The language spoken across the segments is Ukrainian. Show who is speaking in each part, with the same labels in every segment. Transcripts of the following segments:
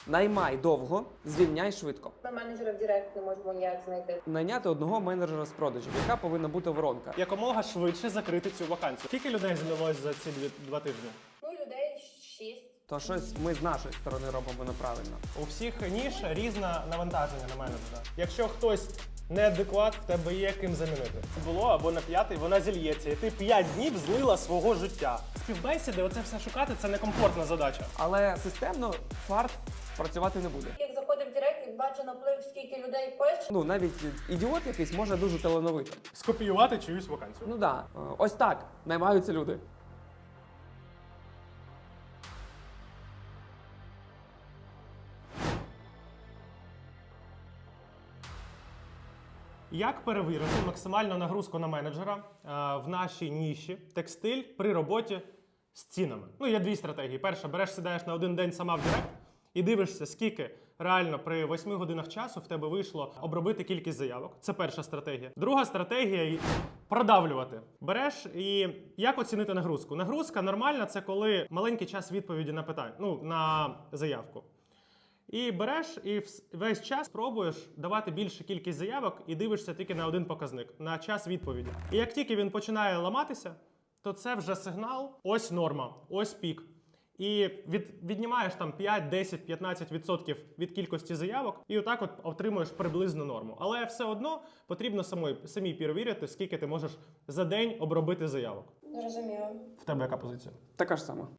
Speaker 1: Наймай довго, звільняй швидко.
Speaker 2: Ми менеджера в Директ не можемо ніяк знайти.
Speaker 1: Найняти одного менеджера з продажів, яка повинна бути воронка.
Speaker 3: Якомога швидше закрити цю вакансію. Скільки людей знялось за ці 2 тижні?
Speaker 2: Ну, людей 6.
Speaker 1: То щось ми з нашої сторони робимо неправильно.
Speaker 3: У всіх ніж різне навантаження на менеджера. Якщо хтось неадекват, в тебе є ким замінити. Було або на 5-й вона зільється, і ти 5 днів злила свого життя. Співбесіди, оце все шукати, це некомфортна задача.
Speaker 1: Але системно фарт працювати не буде.
Speaker 2: Як заходив в Директ і бачу наплив, скільки людей пише.
Speaker 1: Ну, навіть ідіот якийсь може дуже талановито.
Speaker 3: Скопіювати чиюсь вакансію.
Speaker 1: Ну да, ось так наймаються люди.
Speaker 3: Як перевірити максимальну нагрузку на менеджера в нашій ніші текстиль при роботі з цінами? Ну, є 2 стратегії. Перша, береш, сідаєш на 1 день сама в Директ і дивишся, скільки реально при 8 годинах часу в тебе вийшло обробити кількість заявок. Це перша стратегія. Друга стратегія – продавлювати. Береш і як оцінити нагрузку? Нагрузка нормальна – це коли маленький час відповіді на питання, ну, на заявку. І береш і весь час пробуєш давати більшу кількість заявок і дивишся тільки на 1 показник, на час відповіді. І як тільки він починає ламатися, то це вже сигнал, ось норма, ось пік. І віднімаєш там 5, 10, 15% від кількості заявок і отак от отримуєш приблизну норму. Але все одно потрібно самій перевірити, скільки ти можеш за день обробити заявок.
Speaker 2: Зрозуміло.
Speaker 3: В тебе яка позиція?
Speaker 1: Така ж сама.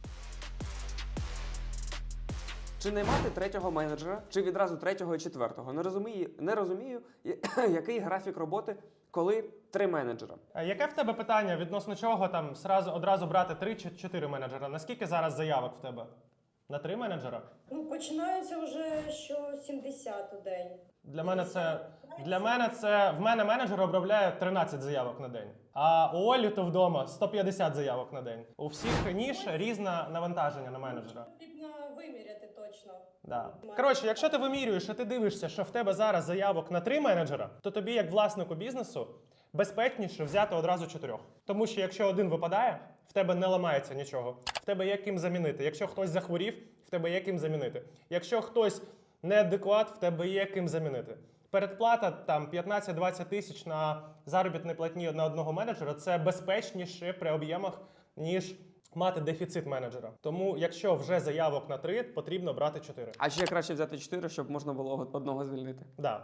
Speaker 1: Чи наймати 3-го менеджера, чи відразу 3-го і 4-го? Не розумію, який графік роботи, коли 3 менеджера.
Speaker 3: А яке в тебе питання, відносно чого там одразу брати 3 чи 4 менеджера? Наскільки зараз заявок в тебе? На 3 менеджера?
Speaker 4: Ну, починається вже що 70 у день.
Speaker 3: Для мене це в мене менеджер обробляє 13 заявок на день. А у Олі то вдома 150 заявок на день. У всіх ніж різне навантаження на менеджера.
Speaker 4: Потрібно виміряти точно.
Speaker 3: Да. Коротше, якщо ти вимірюєш і ти дивишся, що в тебе зараз заявок на 3 менеджера, то тобі, як власнику бізнесу, безпечніше взяти одразу 4. Тому що якщо 1 випадає, в тебе не ламається нічого. В тебе є ким замінити. Якщо хтось захворів, в тебе є ким замінити. Якщо хтось неадекват, в тебе є ким замінити. Передплата там 15-20 тисяч на заробітній платні на 1 менеджера – це безпечніше при об'ємах, ніж мати дефіцит менеджера. Тому, якщо вже заявок на 3, потрібно брати 4.
Speaker 1: А ще краще взяти 4, щоб можна було 1 звільнити.
Speaker 3: Да.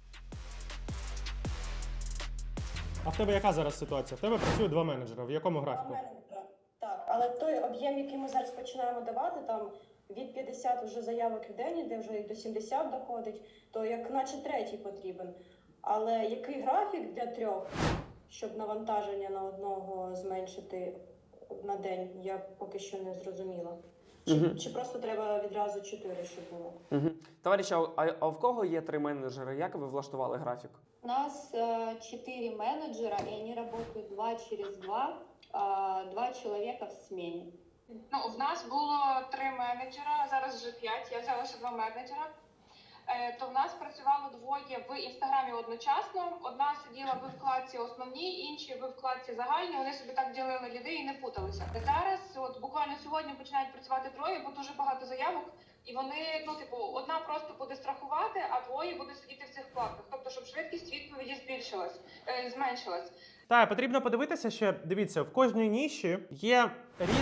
Speaker 3: А в тебе яка зараз ситуація? В тебе працює 2 менеджера. В якому графіку?
Speaker 4: Так, але той об'єм, який ми зараз починаємо давати, там від 50 вже заявок в день, де вже і до 70 доходить, то як наче 3-й потрібен. Але який графік для 3, щоб навантаження на 1 зменшити на день, я поки що не зрозуміла. Чи просто треба відразу 4, щоб було?
Speaker 1: Товариші, а в кого є 3 менеджери? Як ви влаштували графік?
Speaker 5: У нас 4 менеджера, и они работают 2 через 2, 2 человека в смене.
Speaker 6: Ну, в нас було 3 менеджера, зараз вже 5, я взяла ще 2 менеджера. То в нас працювало 2 в Інстаграмі одночасно. Одна сиділа в вкладці основній, інші в вкладці загальній. Вони собі так ділили ліди і не путалися. Зараз, от буквально сьогодні починають працювати 3, бо дуже багато заявок. І вони, ну, типу, одна просто буде страхувати, а 2 будуть сидіти в цих вкладках. Тобто, щоб швидкість відповіді зменшилась.
Speaker 3: Так, потрібно подивитися ще, дивіться, в кожній ніші є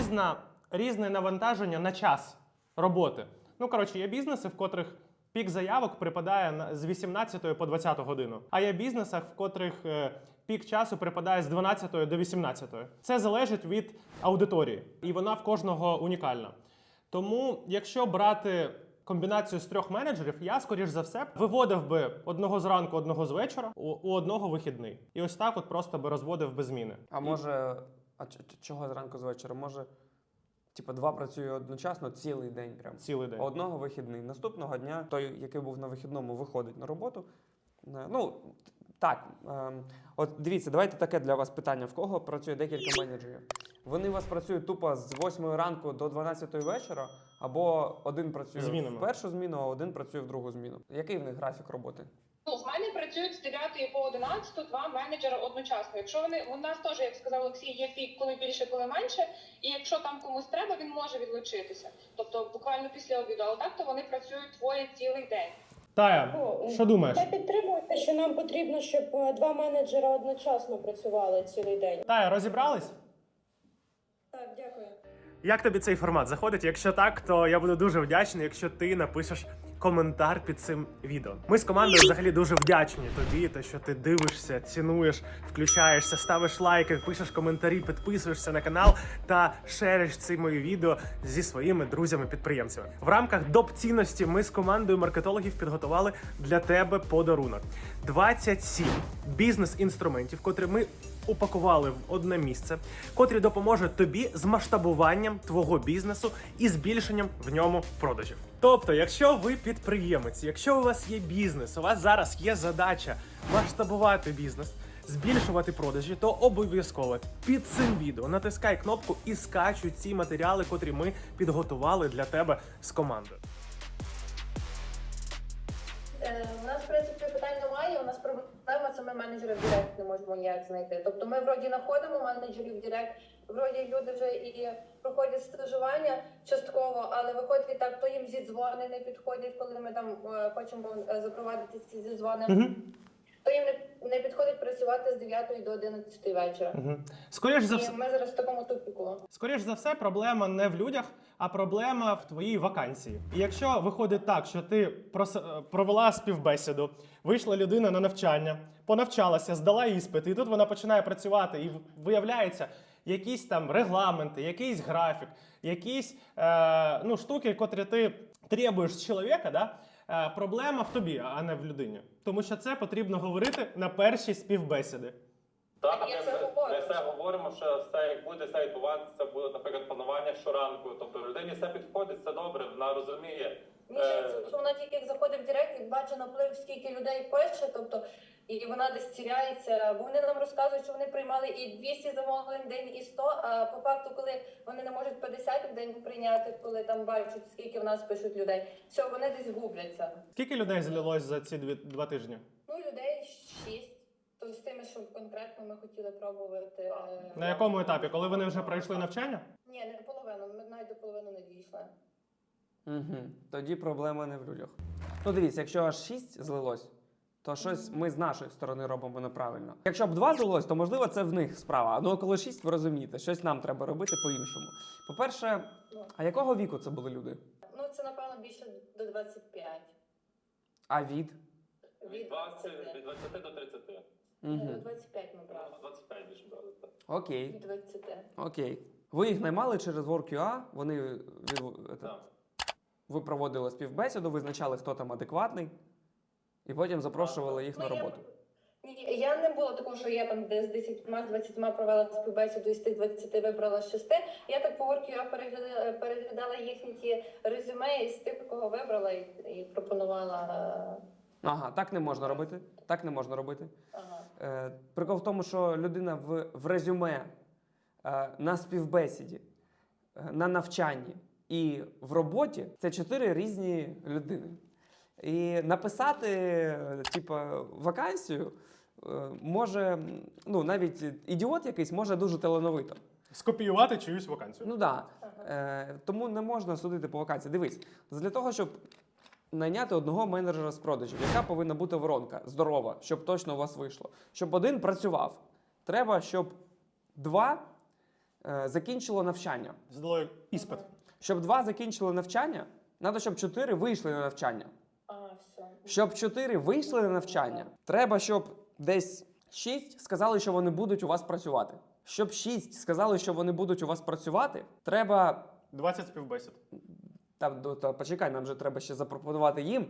Speaker 3: різне навантаження на час роботи. Ну, коротше, є бізнеси, в котрих пік заявок припадає з 18 по 20 годину. А є бізнесах, в котрих пік часу припадає з 12 до 18. Це залежить від аудиторії. І вона в кожного унікальна. Тому, якщо брати комбінацію з 3 менеджерів, я, скоріш за все, виводив би 1 зранку, 1 з вечора, у 1 вихідний. І ось так от просто би розводив без зміни.
Speaker 1: А може, чого зранку з вечора? Може, типу 2 працює одночасно цілий день прям.
Speaker 3: Цілий день.
Speaker 1: А 1 вихідний. Наступного дня той, який був на вихідному, виходить на роботу. Ну, так. От дивіться, давайте таке для вас питання. В кого працює декілька менеджерів? Вони у вас працюють тупо з 8 ранку до 12 вечора, або 1 працює в першу зміну, а 1 працює в другу зміну. Який в них графік роботи?
Speaker 6: Ну, в мене працює працюють з 9 по 11 два менеджера одночасно. Якщо у нас теж, як сказав Олексій, є пік, коли більше, коли менше, і якщо там комусь треба, він може відлучитися. Тобто буквально після обіду, але так, то вони працюють двоє цілий день.
Speaker 3: Тая, що думаєш?
Speaker 4: Я підтримую те, що нам потрібно, щоб два менеджера одночасно працювали цілий день.
Speaker 3: Тая, розібрались?
Speaker 4: Так, дякую.
Speaker 3: Як тобі цей формат заходить? Якщо так, то я буду дуже вдячний, якщо ти напишеш коментар під цим відео. Ми з командою взагалі дуже вдячні тобі, те, що ти дивишся, цінуєш, включаєшся, ставиш лайки, пишеш коментарі, підписуєшся на канал та шериш ці мої відео зі своїми друзями-підприємцями. В рамках доп. Цінності ми з командою маркетологів підготували для тебе подарунок. 27 бізнес-інструментів, котрі ми упакували в одне місце, котрі допоможуть тобі з масштабуванням твого бізнесу і збільшенням в ньому продажів. Тобто, якщо ви підприємець, якщо у вас є бізнес, у вас зараз є задача масштабувати бізнес, збільшувати продажі, то обов'язково під цим відео натискай кнопку і скачуй ці матеріали, котрі ми підготували для тебе з командою.
Speaker 2: У нас, в принципі, питань немає. У нас проблема, це ми менеджерів Директ не можемо ніяк знайти. Тобто ми вроді знаходимо менеджерів Директ, вроді люди вже і проходять стажування частково, але виходить так, то їм зідзвони не підходять, коли ми там хочемо запровадити ці зідзвони. То їм не підходить працювати з 9 до 11 вечора.
Speaker 3: Скоріш за
Speaker 2: І
Speaker 3: все,
Speaker 2: ми зараз в такому тупіку.
Speaker 3: Скоріш за все, проблема не в людях, а проблема в твоїй вакансії. І якщо виходить так, що ти провела співбесіду, вийшла людина на навчання, понавчалася, здала іспит, і тут вона починає працювати, і виявляється якісь там регламенти, якийсь графік, якісь штуки, котрі ти требуєш з чоловіка, да? Проблема в тобі, а не в людині. Тому що це потрібно говорити на першій співбесіди.
Speaker 7: Так,
Speaker 2: Я це
Speaker 7: ми
Speaker 2: говорю.
Speaker 7: все говоримо, що все як буде, все відбуватися, буде, наприклад, планування щоранку. Тобто людині все підходить, все добре, вона розуміє.
Speaker 2: Мені здається, що вона тільки як заходить в Директ і бачить наплив, скільки людей пише, тобто, і вона десь тіряється. Бо вони нам розказують, що вони приймали і 200 замовлень в день, і 100, а по факту, коли вони не можуть 50 в день прийняти, коли там бачать, скільки в нас пишуть людей, все, вони десь губляться.
Speaker 3: Скільки людей злилось за ці 2 тижні?
Speaker 2: Ну, людей 6. То з тими, що конкретно ми хотіли пробувати.
Speaker 3: На якому етапі? Коли вони вже пройшли навчання?
Speaker 2: Ні, не половину, ми навіть до половини не дійшли.
Speaker 1: Тоді проблема не в людях. Ну дивіться, якщо аж 6 злилось, то щось ми з нашої сторони робимо неправильно. Якщо б 2 злилось, то можливо це в них справа. Ну а коли 6, ви розумієте, щось нам треба робити по-іншому. По-перше, а якого віку це були люди?
Speaker 2: Ну, це, напевно, більше до 25.
Speaker 1: А від?
Speaker 7: Від 20 до 30.
Speaker 2: До 25 ми брали.
Speaker 7: 25 більше брали. Так.
Speaker 1: Окей.
Speaker 2: Від 20.
Speaker 1: Окей. Ви їх наймали через WorkUA, вони
Speaker 7: Так.
Speaker 1: ви проводили співбесіду, визначали, хто там адекватний, і потім запрошували їх на роботу.
Speaker 2: Ні, я не було такого, що я там з 10-20 провела співбесіду і з тих 20 вибрала 6. Я так по WorkUA переглядала їхні ті резюме і з тих, кого вибрала і пропонувала.
Speaker 1: Ага, так не можна робити. Так не можна робити.
Speaker 2: Ага.
Speaker 1: Прикол в тому, що людина в резюме, на співбесіді, на навчанні і в роботі – це 4 різні людини. І написати, вакансію може, навіть ідіот якийсь може дуже талановито.
Speaker 3: Скопіювати чиюсь вакансію.
Speaker 1: Ну так. Тому не можна судити по вакансії. Дивись, для того, щоб найняти одного менеджера з продажів, яка повинна бути воронка здорова, щоб точно у вас вийшло. Щоб один працював. Треба, щоб 2 закінчило навчання.
Speaker 3: Здало іспит.
Speaker 1: Щоб 2 закінчили навчання, треба, щоб 4 вийшли на навчання.
Speaker 2: Все.
Speaker 1: Щоб 4 вийшли на навчання, треба, щоб десь 6 сказали, що вони будуть у вас працювати. Щоб 6 сказали, що вони будуть у вас працювати, треба...
Speaker 3: 20 співбесід.
Speaker 1: Та почекай, нам же треба ще запропонувати їм.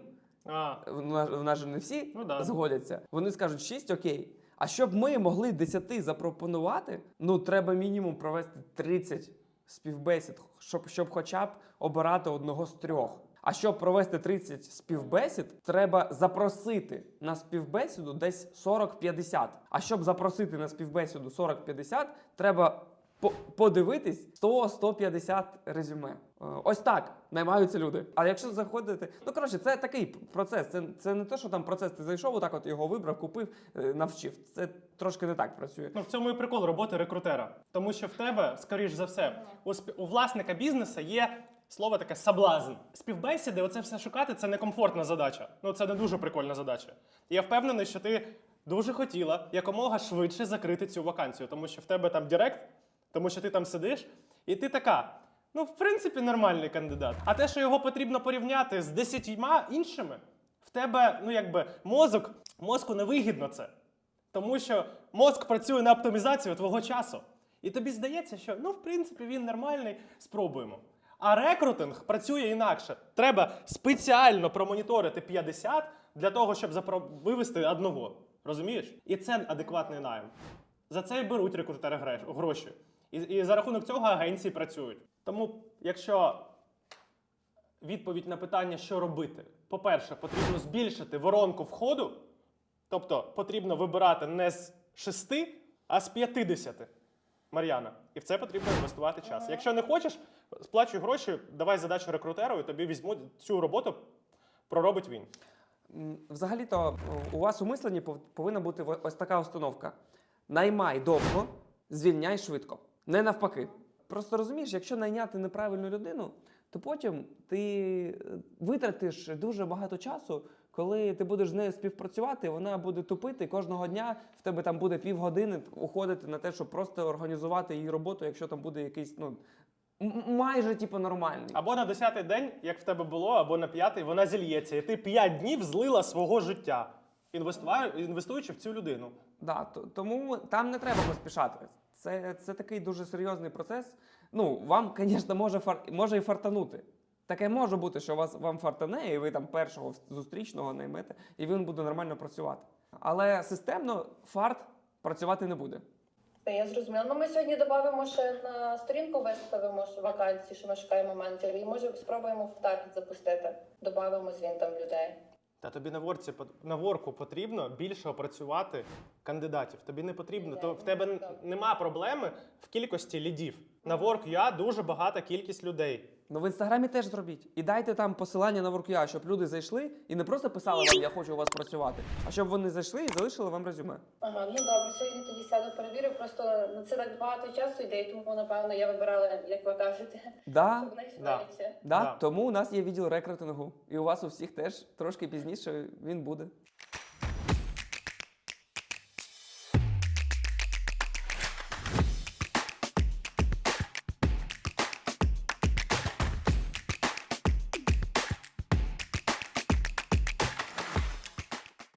Speaker 1: В нас же не всі згодяться. Вони скажуть 6, окей. А щоб ми могли 10 запропонувати, треба мінімум провести 30 співбесід, щоб хоча б обирати одного з 3. А щоб провести 30 співбесід, треба запросити на співбесіду десь 40-50. А щоб запросити на співбесіду 40-50, треба подивитись 100-150 резюме. Ось так наймаються люди. А якщо заходити, ну коротше, це такий процес. Це не те, що там процес, ти зайшов, отак от його вибрав, купив, навчив. Це трошки не так працює.
Speaker 3: Ну, в цьому і прикол роботи рекрутера. Тому що в тебе, скоріш за все, у власника бізнесу є слово таке соблазн. Співбесіди, оце все шукати, це некомфортна задача. Ну, це не дуже прикольна задача. І я впевнений, що ти дуже хотіла якомога швидше закрити цю вакансію, тому що в тебе там директ, тому що ти там сидиш, і ти така, ну, в принципі, нормальний кандидат. А те, що його потрібно порівняти з 10 іншими, в тебе, ну, якби, мозку невигідно це. Тому що мозк працює на оптимізацію твого часу. І тобі здається, що, ну, в принципі, він нормальний, спробуємо. А рекрутинг працює інакше. Треба спеціально промоніторити 50 для того, щоб вивести одного. Розумієш? І це адекватний найм. За це і беруть рекрутери гроші. І за рахунок цього агенції працюють. Тому, якщо відповідь на питання, що робити, по-перше, потрібно збільшити воронку входу, тобто потрібно вибирати не з 6, а з 50. Мар'яна. І в це потрібно інвестувати час. Якщо не хочеш, сплачуй гроші, давай задачу рекрутеру, і тобі візьмуть цю роботу, проробить він.
Speaker 1: Взагалі-то у вас у мисленні повинна бути ось така установка. Наймай довго, звільняй швидко. Не навпаки. Просто розумієш, якщо найняти неправильну людину, то потім ти витратиш дуже багато часу, коли ти будеш з нею співпрацювати, вона буде тупити, і кожного дня в тебе там буде півгодини уходити на те, щоб просто організувати її роботу, якщо там буде якийсь, ну, майже типу нормальний.
Speaker 3: Або на 10-й день, як в тебе було, або на 5-й, вона зільється. І ти 5 днів злила свого життя, інвестуючи в цю людину.
Speaker 1: Да, тому там не треба поспішати. Це такий дуже серйозний процес. Ну, вам, звісно, може і фартанути. Таке може бути, що вам фартане, і ви там першого зустрічного наймете, і він буде нормально працювати. Але системно фарт працювати не буде.
Speaker 2: Та я зрозуміла. Ну, ми сьогодні додамо ще на сторінку, виставимо вакансії, що ми шукаємо менеджерів, і може спробуємо в таргет запустити. Додамо звін там людей.
Speaker 3: Та тобі на ворку потрібно більше опрацювати кандидатів. Тобі не потрібно, в тебе нема проблеми в кількості лідів. На Work.ua дуже багата кількість людей.
Speaker 1: Ну, в Інстаграмі теж зробіть. І дайте там посилання на Work.ua, щоб люди зайшли і не просто писали вам, я хочу у вас працювати, а щоб вони зайшли і залишили вам резюме.
Speaker 2: Ага, ну добре, сьогодні тоді сяду, перевірю. Просто на це так багато часу йде, і тому, напевно, я вибирала, як ви кажете,
Speaker 1: Да,
Speaker 2: щоб найшвидше.
Speaker 1: да,
Speaker 3: Да.
Speaker 1: тому у нас є відділ рекрутингу. І у вас у всіх теж трошки пізніше він буде.